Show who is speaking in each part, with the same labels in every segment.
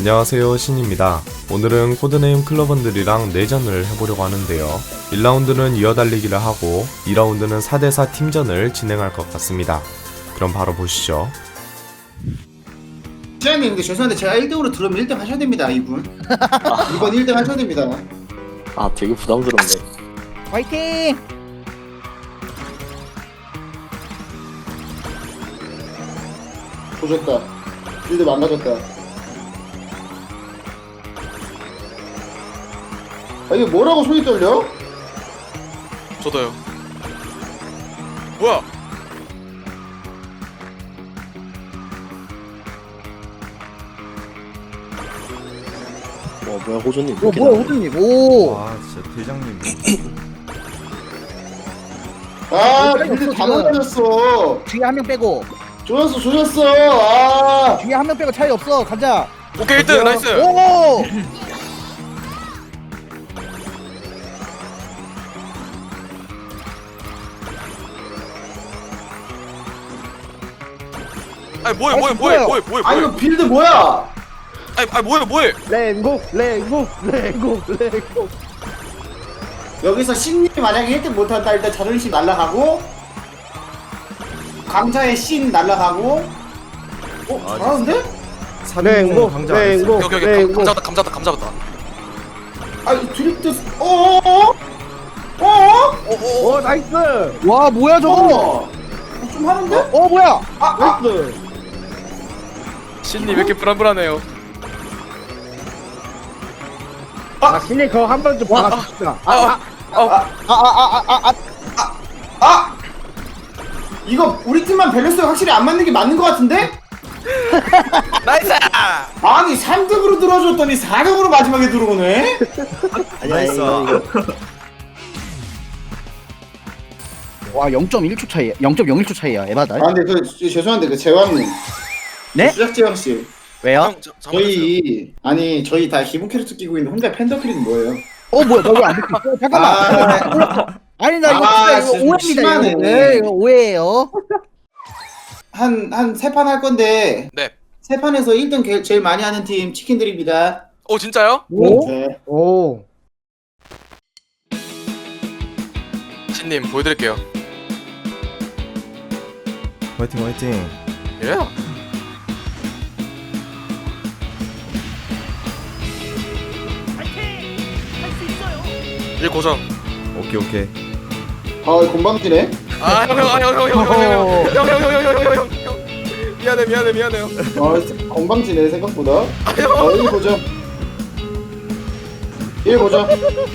Speaker 1: 안녕하세요, 신입니다. 오늘은 코드네임 클러번들이랑 내전을 해보려고 하는데요. 1라운드는 이어달리기를 하고 2라운드는 4대4 팀전을 진행할 것 같습니다. 그럼 바로 보시죠.
Speaker 2: 시장님, 근데 죄송한데 제가 1등으로 들어오면 1등 하셔야 됩니다, 이분. 이번 1등 하셔야 됩니다.
Speaker 3: 아 되게 부담스럽네.
Speaker 4: 화이팅!
Speaker 2: 조졌다. 빌드 망가졌다. 아, 이게 뭐라고 손이 떨려?
Speaker 5: 저도요. 뭐야?
Speaker 3: 와 뭐야 호준님.
Speaker 4: 오 뭐야 호준님 오!
Speaker 1: 와, 진짜 대장님.
Speaker 2: 아,
Speaker 4: 빨리
Speaker 2: 빌드
Speaker 4: 없어,
Speaker 2: 다
Speaker 4: 지금.
Speaker 2: 망가졌어.
Speaker 4: 뒤에 한 명 빼고
Speaker 2: 조졌어. 아,
Speaker 4: 뒤에 한 명 빼고 차이 없어 가자.
Speaker 5: 오케이 1등 나이스.
Speaker 4: 오!
Speaker 5: 아니 뭐해
Speaker 4: 아니,
Speaker 5: 뭐해
Speaker 4: 뭐야?
Speaker 5: 뭐해 뭐해
Speaker 2: 아,
Speaker 5: 뭐해.
Speaker 2: 이거 빌드 뭐야?
Speaker 5: 아니 뭐해 뭐해.
Speaker 4: 랭고
Speaker 2: 여기서 신님이 만약에 1등 못한다, 일단 자존심 날라가고, 강자의 신 날라가고, 잘하는데?
Speaker 1: 사랭고 강자 안 했어요.
Speaker 5: 여기 감잡았다.
Speaker 2: 아, 이 드리프트, 어어어?
Speaker 4: 오 나이스! 와 뭐야 저거?
Speaker 2: 좀 하는데?
Speaker 4: 어 뭐야?
Speaker 5: 신님 왜 이렇게 불안불안해요?
Speaker 4: 신이 그거 한 번 좀 봐줍시다.
Speaker 2: 아! 이거 우리 팀만 밸런스가 확실히 안 맞는 게 맞는 것 같은데?
Speaker 5: 나이스.
Speaker 2: 아니 3등으로 들어줬더니 4등으로 마지막에 들어오네?
Speaker 1: 나이스.
Speaker 4: 와 0.1초 차이, 0.01초 차이야 에바다.
Speaker 2: 아 근데 그 죄송한데 그 재환님,
Speaker 4: 네?
Speaker 2: 수작재환씨,
Speaker 4: 왜요?
Speaker 2: 저희 다 기본 캐릭터 끼고 있는데 혼자 팬더크리는 뭐예요?
Speaker 4: 어 뭐야 나 왜 안 듣고 있어? 잠깐만. 아니 나 이거
Speaker 2: 아,
Speaker 4: 진짜 이거
Speaker 2: 진짜
Speaker 4: 오해입니다.
Speaker 2: 심하네.
Speaker 4: 이거. 네, 이거 오해예요.
Speaker 2: 한 3판 할 건데
Speaker 5: 네.
Speaker 2: 3판에서 1등 제일 많이 하는 팀 치킨 드립니다.
Speaker 5: 오 진짜요?
Speaker 4: 오.
Speaker 2: 네.
Speaker 4: 오.
Speaker 5: 신님 보여드릴게요.
Speaker 1: 화이팅 화이팅.
Speaker 5: 예. 일 고정.
Speaker 1: 오케이.
Speaker 2: 아 건방지네.
Speaker 5: 형. 미안해요.
Speaker 2: 아 건방지네 생각보다. 1 보죠. 1 보죠.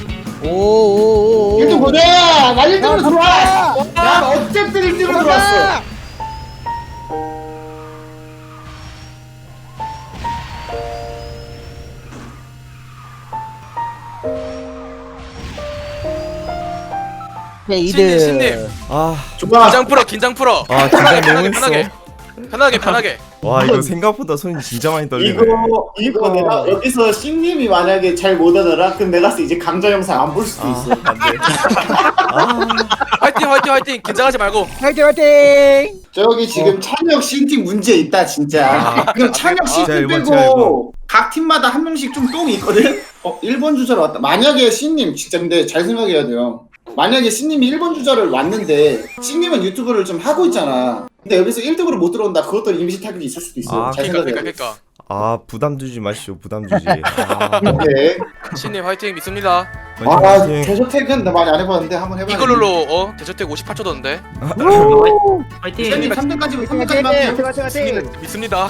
Speaker 4: 오.
Speaker 2: 1등 보자! 나 1등으로 들어와!
Speaker 4: 야,
Speaker 2: 난 어쨌든 1등으로 들어왔어.
Speaker 4: 네,
Speaker 5: 신님.
Speaker 1: 아,
Speaker 2: 좋아.
Speaker 5: 긴장 풀어.
Speaker 1: 아 긴장 너무 했어.
Speaker 5: 편하게.
Speaker 1: 와, 이거 생각보다 손이 진짜 많이 떨리네.
Speaker 2: 이거 내가 여기서 신님이 만약에 잘 못하더라? 그럼 내가 이제 강좌 영상 안 볼 수도 있어.
Speaker 5: 화이팅. 긴장하지 말고.
Speaker 4: 화이팅!
Speaker 2: 저기 지금 찬혁 신팀 문제 있다 진짜. 그럼 찬혁
Speaker 1: 제가
Speaker 2: 신팀
Speaker 1: 일본,
Speaker 2: 빼고 각 팀마다 한 명씩 좀 똥이 있거든? 1번 주자로 왔다. 만약에 신님 진짜 근데 잘 생각해야 돼요. 만약에 신님이 1번 주자를 왔는데 신님은 유튜브를 좀 하고 있잖아. 근데 여기서 1등으로 못 들어온다. 그것도 이미지 타격이 있을 수도 있어.
Speaker 1: 아,
Speaker 2: 잘 생각해야 돼.
Speaker 5: 그러니까.
Speaker 1: 아, 부담 주지 마시오. 부담 주지. 아,
Speaker 2: 오케이.
Speaker 5: 신님 화이팅 믿습니다.
Speaker 1: 화이팅.
Speaker 2: 대저택은 나 많이 안 해봤는데 한번 해봐야지.
Speaker 5: 이걸로 대저택 58초 던데.
Speaker 2: 신님 3등까지만 할게요.
Speaker 5: 믿습니다.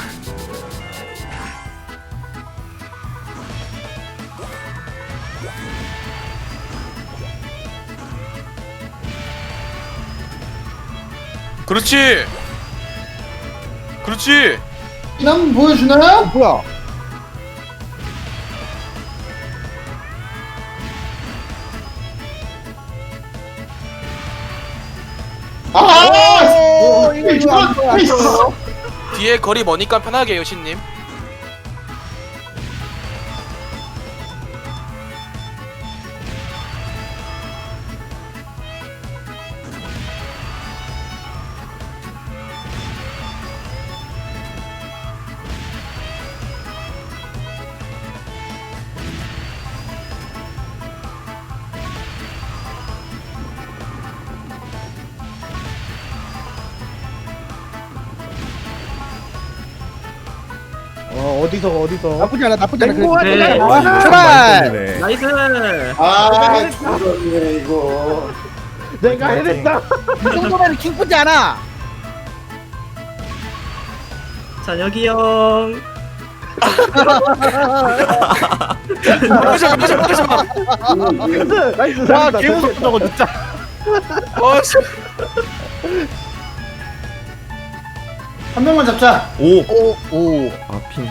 Speaker 5: 그렇지.
Speaker 2: 한번 보여주나?
Speaker 4: 뭐야?
Speaker 2: 아!
Speaker 4: 이거 안 보여.
Speaker 5: 뒤에 거리 머니까 편하게 해요 신님.
Speaker 4: 어디서? 나쁘지 않아.
Speaker 6: 네.
Speaker 1: 와, 이거
Speaker 4: 출발!
Speaker 1: 네
Speaker 6: 나이스.
Speaker 2: 아 저런네 이거.
Speaker 4: 내가 해냈다. 이 정도면 기쁘지 않아.
Speaker 6: 자 여기 형.
Speaker 4: 나이스. 와, 개무섭다 저거 진짜.
Speaker 5: 어씨.
Speaker 2: 한 명만 잡자.
Speaker 1: 오!
Speaker 4: 오.
Speaker 1: 아, 핑.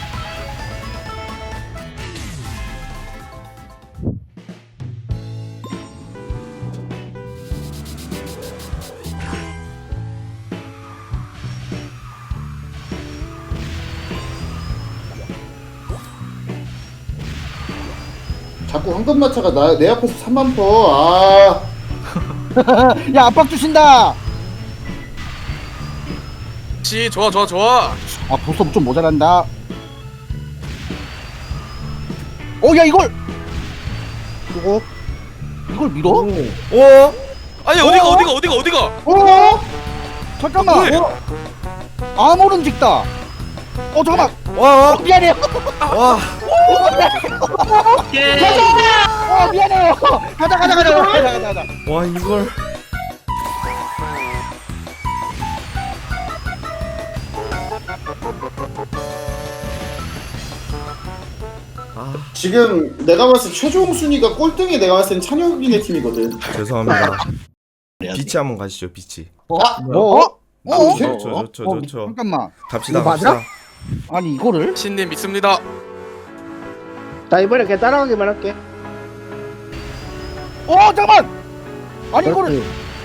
Speaker 2: 자꾸 황금마차가 내 앞에서 3만 퍼. 아.
Speaker 4: 야, 압박 주신다.
Speaker 5: 씨 좋아 좋아 좋아.
Speaker 4: 아, 보섭 좀 모자란다. 야, 이걸. 이걸 밀어?
Speaker 1: 오!
Speaker 5: 아니 어디가?
Speaker 4: 잠깐만.
Speaker 5: 왜?
Speaker 4: 아무런 직다. 잠깐만.
Speaker 1: 와!
Speaker 4: 미안해요.
Speaker 1: 와!
Speaker 6: 오케이.
Speaker 4: 미안해요. 가자.
Speaker 1: 와, 이걸.
Speaker 2: 지금 내가 봤을 때 최종 순위가 꼴등이 내가 봤을 땐 찬혁이네 팀이거든.
Speaker 1: 죄송합니다. 비치 한번 가시죠, 비치.
Speaker 4: 뭐?
Speaker 1: 좋죠.
Speaker 4: 잠깐만.
Speaker 1: 갑시다,
Speaker 4: 이거 맞아?
Speaker 1: 갑시다.
Speaker 4: 아니, 이거를?
Speaker 5: 신님 믿습니다.
Speaker 7: 나 이번에 그냥 따라가기만 할게.
Speaker 4: 잠깐만. 아니, 이거를.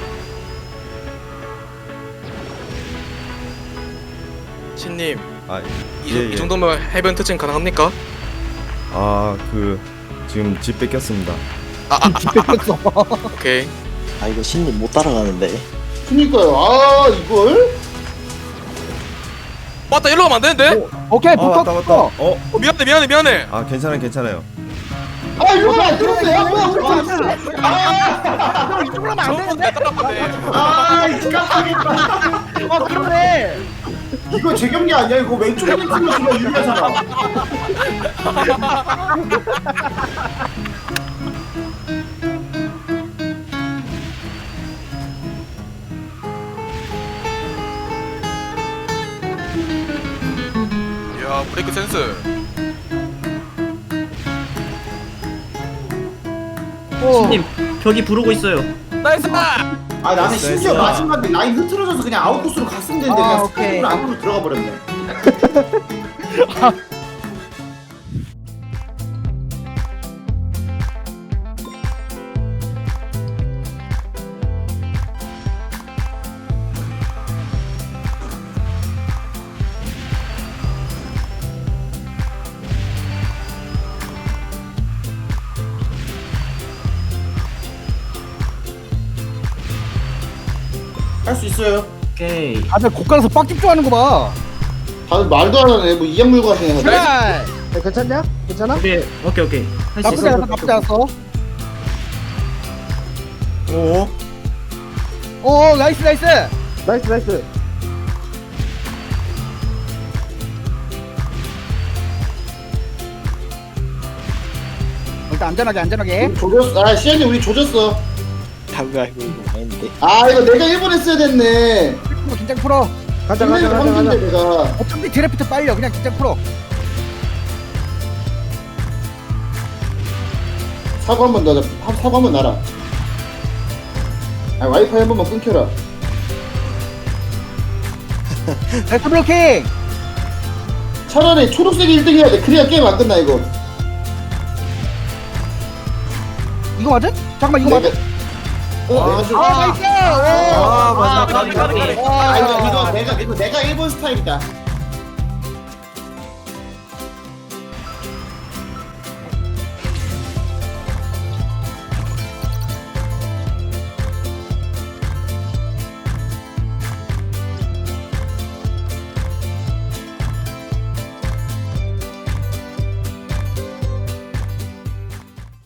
Speaker 5: 신님
Speaker 1: 아,
Speaker 5: 이 정도면 해변 특징 가능합니까?
Speaker 1: 아, 지금 집 뺏겼습니다.
Speaker 4: 뺏겼어.
Speaker 5: 오케이.
Speaker 3: 아 이거 신님 못 따라가는데.
Speaker 2: 그니까요. 아 이걸?
Speaker 5: 맞다 일로 가면 안 되는데?
Speaker 4: 오케이,
Speaker 1: 맞다.
Speaker 4: 붙었어.
Speaker 5: 미안해.
Speaker 1: 아, 괜찮아요.
Speaker 2: 아 이거 안 들었네. 뭐야 우리 팀.
Speaker 4: 이쪽으로 하면 안
Speaker 5: 저번
Speaker 4: 되는데?
Speaker 5: 때 따라갔네.
Speaker 2: 아 이거
Speaker 4: 그러네.
Speaker 2: 이거 제 경기 아니야? 이거 왼쪽에 있는 팀이 정말 유리하잖아.
Speaker 5: 이야 브레이크 센스.
Speaker 6: 신님 벽이 부르고 있어요.
Speaker 5: 나이스.
Speaker 2: 아 나는 심지어
Speaker 1: 됐어.
Speaker 2: 마지막에 라인 흐트러져서 그냥 아웃코스로 갔으면 되는데 그냥
Speaker 4: 오케이.
Speaker 2: 스타일로 안으로 들어가 버렸네. 할 수 있어요.
Speaker 6: 오케이.
Speaker 4: 다들 고가에서 빡 집중하는 거 봐.
Speaker 2: 다들 말도 안 하네. 뭐 이양물고 하시네.
Speaker 4: 그래.
Speaker 7: 야, 괜찮냐? 괜찮아?
Speaker 6: 오케이. 할 수
Speaker 4: 나쁘지
Speaker 6: 있어.
Speaker 4: 않았어, 나쁘지 않았어.
Speaker 1: 오!
Speaker 4: 나이스.
Speaker 7: 나이스.
Speaker 4: 일단 안전하게.
Speaker 2: 조졌어. 아 시현이 우리 조졌어.
Speaker 3: 다가 이거 아닌데.
Speaker 2: 아 이거 내가 1번 했어야 됐네.
Speaker 4: 긴장 풀어.
Speaker 7: 가자.
Speaker 2: 황준대 내가.
Speaker 4: 어차피 드래프트 빨려. 그냥 긴장 풀어.
Speaker 2: 사고 한번 넣자. 사고 한번 놔라. 아 와이파이 한 번만 끊겨라.
Speaker 4: 레트 블로킹.
Speaker 2: 차라리 초록색이 1등 해야 돼. 그래야 게임 안 끝나 이거.
Speaker 4: 이거 맞아? 잠깐만, 이거 맞아?
Speaker 2: 내가 좀.
Speaker 4: 나이스.
Speaker 1: 아, 맞아.
Speaker 5: 까비.
Speaker 2: 이거 내가 1번 스타일이다.